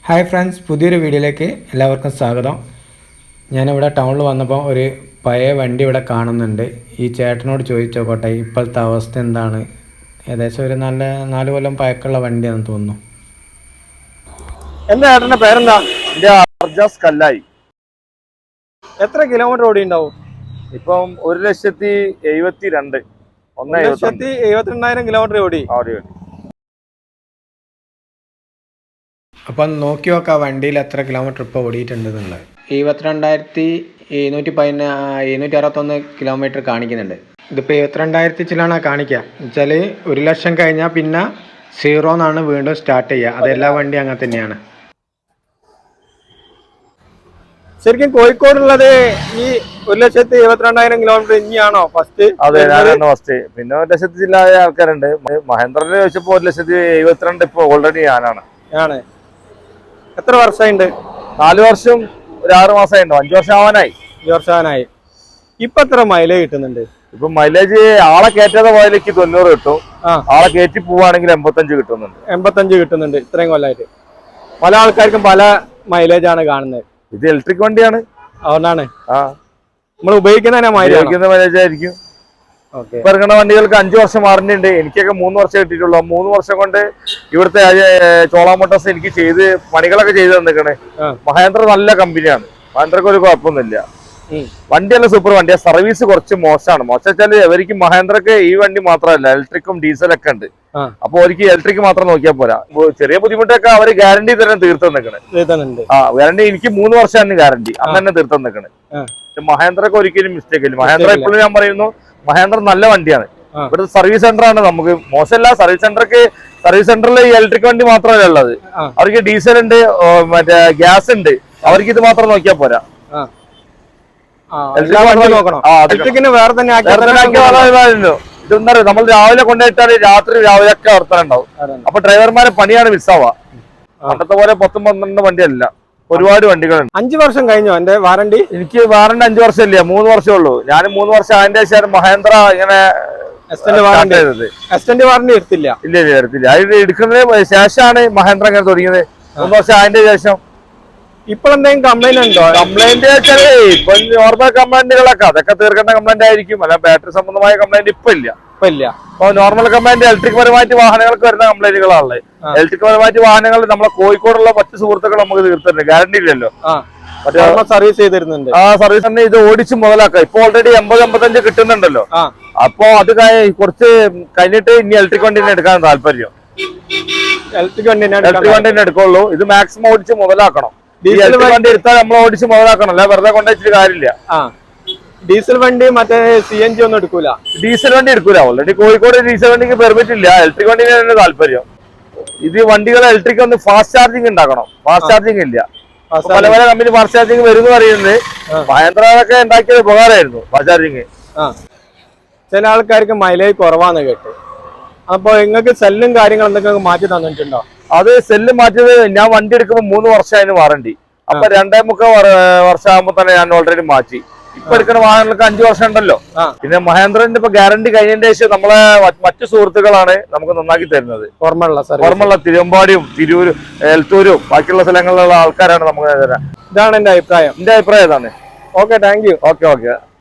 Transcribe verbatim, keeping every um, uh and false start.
Hi friends, പുതിയൊരു വീഡിയോയിലേക്ക് എല്ലാവർക്കും സ്വാഗതം. ഞാനിവിടെ ടൗണിൽ വന്നപ്പോൾ ഒരു പഴയ വണ്ടി ഇവിടെ കാണുന്നുണ്ട്. ഈ ചേട്ടനോട് ചോദിച്ചു നോക്കട്ടെ ഇപ്പോഴത്തെ അവസ്ഥ എന്താണ്. ഏകദേശം ഒരു നല്ല നാല് കൊല്ലം പഴക്കമുള്ള വണ്ടിയാണെന്ന് തോന്നുന്നു. എന്താ ചേട്ടൻ്റെ പേരെന്താ? എൻ്റെ അർജാസ് കല്ലായി. എത്ര കിലോമീറ്റർ ഓടി ഉണ്ടാവും? ഇപ്പം ഒരു ലക്ഷത്തി എഴുപത്തി രണ്ട് ഒന്ന് ലക്ഷത്തി എഴുപത്തിരണ്ടായിരം കിലോമീറ്റർ ഓടി. അപ്പം നോക്കി നോക്കാം വണ്ടിയിൽ എത്ര കിലോമീറ്റർ ഇപ്പോൾ ഓടിയിട്ടുണ്ടെന്നുള്ളത്. എഴുപത്തിരണ്ടായിരത്തി എഴുന്നൂറ്റി പതിന എഴുന്നൂറ്റി അറുപത്തൊന്ന് കിലോമീറ്റർ കാണിക്കുന്നുണ്ട്. ഇതിപ്പോൾ എഴുപത്തിരണ്ടായിരത്തി ചിലാണ് കാണിക്കുക വെച്ചാൽ ഒരു ലക്ഷം കഴിഞ്ഞാൽ പിന്നെ സീറോ എന്നാണ് വീണ്ടും സ്റ്റാർട്ട് ചെയ്യുക. അതെല്ലാ വണ്ടി അങ്ങനെ തന്നെയാണ്. ശരിക്കും കോഴിക്കോടുള്ളത് ഈ ഒരു ലക്ഷത്തി എഴുപത്തിരണ്ടായിരം കിലോമീറ്റർ ഇനിയാണോ ഫസ്റ്റ്? അതെ, ഫസ്റ്റ്. പിന്നെ ഒരു ലക്ഷത്തി ജില്ലായ ആൾക്കാരുണ്ട്. മഹേന്ദ്രനെ ചോദിച്ചപ്പോ ഒരു ലക്ഷത്തി എഴുപത്തിരണ്ട് ഇപ്പൊ ഓൾറെഡി ഞാനാണ് ആണ്. എത്ര വർഷമുണ്ട്? നാല് വർഷം ഒരു ആറ് മാസമായിണ്ടോ? അഞ്ചു വർഷം ആവാനായി. അഞ്ചു വർഷം ആവാനായി. ഇപ്പൊ എത്ര മൈലേജ് കിട്ടുന്നുണ്ട്? ഇപ്പൊ മൈലേജ് ആളെ കയറ്റാതെ പോയാലേക്ക് തൊണ്ണൂറ് കിട്ടും. ആളെ കയറ്റി പോവാണെങ്കിൽ എൺപത്തഞ്ച് കിട്ടുന്നുണ്ട്. എൺപത്തഞ്ച് കിട്ടുന്നുണ്ട് ഇത്രയും കൊല്ലമായിട്ട്. പല ആൾക്കാർക്കും പല മൈലേജ് ആണ് കാണുന്നത്. ഇത് ഇലക്ട്രിക് വണ്ടിയാണ്, അതുകൊണ്ടാണ് ആ നമ്മൾ ഉപയോഗിക്കുന്ന മൈലേജ് ആയിരിക്കും. ഇപ്പൊ ഇറങ്ങുന്ന വണ്ടികൾക്ക് അഞ്ചു വർഷം വാറന്റി. എനിക്കൊക്കെ മൂന്ന് വർഷം കിട്ടിയിട്ടുള്ളൂ. മൂന്ന് വർഷം കൊണ്ട് ഇവിടുത്തെ ചോള മോട്ടോഴ്സ് എനിക്ക് ചെയ്ത് പണികളൊക്കെ ചെയ്ത് തന്നിക്കണേ. മഹേന്ദ്ര നല്ല കമ്പനിയാണ്. മഹേന്ദ്രക്ക് ഒരു കുഴപ്പമൊന്നുമില്ല. വണ്ടിയല്ല സൂപ്പർ വണ്ടിയാ. സർവീസ് കുറച്ച് മോശമാണ്. മോശം വെച്ചാല് അവർക്ക് മഹേന്ദ്രക്ക് ഈ വണ്ടി മാത്രമല്ല, ഇലക്ട്രിക്കും ഡീസലൊക്കെ ഉണ്ട്. അപ്പൊ അവർക്ക് ഇലക്ട്രിക് മാത്രം നോക്കിയാൽ പോരാ. ചെറിയ ബുദ്ധിമുട്ടൊക്കെ അവര് ഗ്യാരണ്ടി തന്നെ തീർത്ത് നിൽക്കണേ. ആ ഗ്യാരണ്ടി എനിക്ക് മൂന്ന് വർഷമാണ് ഗ്യാരണ്ടി. അന്ന് തന്നെ തീർത്ത് നിൽക്കണേ. മഹേന്ദ്രക്ക് ഒരിക്കലും മിസ്റ്റേക്ക് ഇല്ല. മഹേന്ദ്ര ഇപ്പോഴും ഞാൻ പറയുന്നു, മഹേന്ദ്ര നല്ല വണ്ടിയാണ്. ഇവിടുത്തെ സർവീസ് സെന്റർ ആണ്. നമുക്ക് മോശമല്ല. സർവീസ് സെന്റർക്ക് സർവീസ് സെന്ററിൽ ഇലക്ട്രിക് വണ്ടി മാത്രമല്ല ഉള്ളത്. അവർക്ക് ഡീസൽ ഉണ്ട്, മറ്റേ ഗ്യാസ് ഉണ്ട്. അവർക്ക് ഇത് മാത്രം നോക്കിയാൽ പോരാ. ഇതെന്താ പറയുക, നമ്മൾ രാവിലെ കൊണ്ടുപോയിട്ടാൽ രാത്രി രാവിലെ ഒക്കെ വർത്തനം ഉണ്ടാവും. അപ്പൊ ഡ്രൈവർമാരെ പണിയാണ് മിസ്സാവുക. പണ്ടത്തെ പോലെ പത്തും പന്ത്രണ്ട് വണ്ടിയല്ല, ഒരുപാട് വണ്ടികളുണ്ട്. അഞ്ചു വർഷം കഴിഞ്ഞോ എന്റെ വാറണ്ടി? എനിക്ക് വാറണ്ടി അഞ്ചു വർഷം ഇല്ല, മൂന്ന് വർഷമേ ഉള്ളൂ. ഞാൻ മൂന്ന് വർഷം അതിന്റെ ശേഷം മഹേന്ദ്ര ഇങ്ങനെ വാറണ്ടി എടുത്തില്ല. ഇല്ല ഇല്ല എടുത്തില്ല. അത് എടുക്കുന്നതിന് ശേഷമാണ് മഹേന്ദ്ര ഇങ്ങനെ തുടങ്ങിയത്. മൂന്ന് വർഷം അതിന്റെ ശേഷം. ഇപ്പോഴെന്തെങ്കിലും കംപ്ലൈന്റ് ഉണ്ടോ? കംപ്ലൈന്റ് വെച്ചാല് ഇപ്പൊ നോർമൽ കംപ്ലൈന്റുകളൊക്കെ അതൊക്കെ തീർക്കേണ്ട കംപ്ലൈന്റ് ആയിരിക്കും. അല്ല ബാറ്ററി സംബന്ധമായ കംപ്ലൈന്റ് ഇപ്പൊ ഇല്ല. ഇപ്പൊ ഇല്ല. അപ്പൊ നോർമൽ കംപ്ലൈന്റ് ഇലക്ട്രിക് പരമായിട്ട് വാഹനങ്ങൾക്ക് വരുന്ന കംപ്ലൈന്റുകളാണ്. ഇലക്ട്രിക് പരമായിട്ട് വാഹനങ്ങൾ നമ്മളെ കോഴിക്കോടുള്ള മറ്റു സുഹൃത്തുക്കൾ നമുക്ക് തീർത്തിട്ടുണ്ട്. ഗ്യാരണ്ടി ഇല്ലല്ലോ. സർവീസ് ചെയ്തിരുന്നുണ്ട്. ആ സർവീസ് തന്നെ ഇത് ഓടിച്ച് മുതലാക്കാം. ഇപ്പൊ ഓൾറെഡി എൺപത് എൺപത്തഞ്ച് കിട്ടുന്നുണ്ടല്ലോ. അപ്പൊ അത് കുറച്ച് കഴിഞ്ഞിട്ട് ഇനി ഇലക്ട്രിക് വണ്ടി തന്നെ എടുക്കാൻ താല്പര്യം. ഇലക്ട്രിക് വണ്ടി ഇലക്ട്രിക് വണ്ടി തന്നെ എടുക്കുള്ളൂ. ഇത് മാക്സിമം ഓടിച്ച് മുതലാക്കണം. ഡീസൽ വണ്ടി എടുത്താൽ നമ്മൾ ഓടിച്ച് മുതലാക്കണം. അല്ല വെറുതെ കൊണ്ടുവച്ചിട്ട് കാര്യമില്ല. ഡീസൽ വണ്ടി മറ്റേ സി എൻ ജി ഒന്നും എടുക്കൂല. ഡീസൽ വണ്ടി എടുക്കൂല. ഓൾറെഡി കോഴിക്കോട് ഡീസൽ വണ്ടിക്ക് പെർമിറ്റ് ഇല്ല. ഇലക്ട്രിക് വണ്ടിന് തന്നെ താല്പര്യം. ഇത് വണ്ടികൾ ഇലക്ട്രിക് ഒന്ന് ഫാസ്റ്റ് ചാർജിങ് ഉണ്ടാക്കണം. ഫാസ്റ്റ് ചാർജിങ് ഇല്ല. പല പല കമ്പനി ഫാസ്റ്റ് ചാർജിങ് വരും പറയുന്നത്. മഹേന്ദ്രൊക്കെ ഉണ്ടാക്കിയത് ഉപകാരമായിരുന്നു ഫാസ്റ്റ് ചാർജിങ്. ചില ആൾക്കാർക്ക് മൈലേജ് കുറവാന്ന് കേട്ട്. അപ്പൊ നിങ്ങൾക്ക് സെല്ലും കാര്യങ്ങളും എന്തൊക്കെ മാറ്റി തന്നിട്ടുണ്ടോ? അത് സെല്ല് മാറ്റിയത് ഞാൻ വണ്ടി എടുക്കുമ്പോൾ മൂന്ന് വർഷമായിരുന്നു വാറണ്ടി. അപ്പൊ രണ്ടേ മുക്കാൽ വർഷം ആകുമ്പോ തന്നെ ഞാൻ ഓൾറെഡി മാറ്റി. ഇപ്പൊ എടുക്കുന്ന വാഹനങ്ങൾക്ക് അഞ്ചു വർഷം ഉണ്ടല്ലോ. പിന്നെ മഹേന്ദ്രന്റെ ഇപ്പൊ ഗ്യാരണ്ടി കഴിഞ്ഞതിന് ശേഷം നമ്മളെ മറ്റു സുഹൃത്തുക്കളാണ് നമുക്ക് നന്നാക്കി തരുന്നത്. ഓർമ്മയുള്ള തിരുവമ്പാടിയും തിരൂരും എൽത്തൂരും ബാക്കിയുള്ള സ്ഥലങ്ങളിലുള്ള ആൾക്കാരാണ് നമുക്ക് തരാം. ഇതാണ് എന്റെ അഭിപ്രായം. എന്റെ അഭിപ്രായം ഇതാണ്. Okay, thank you. Okay okay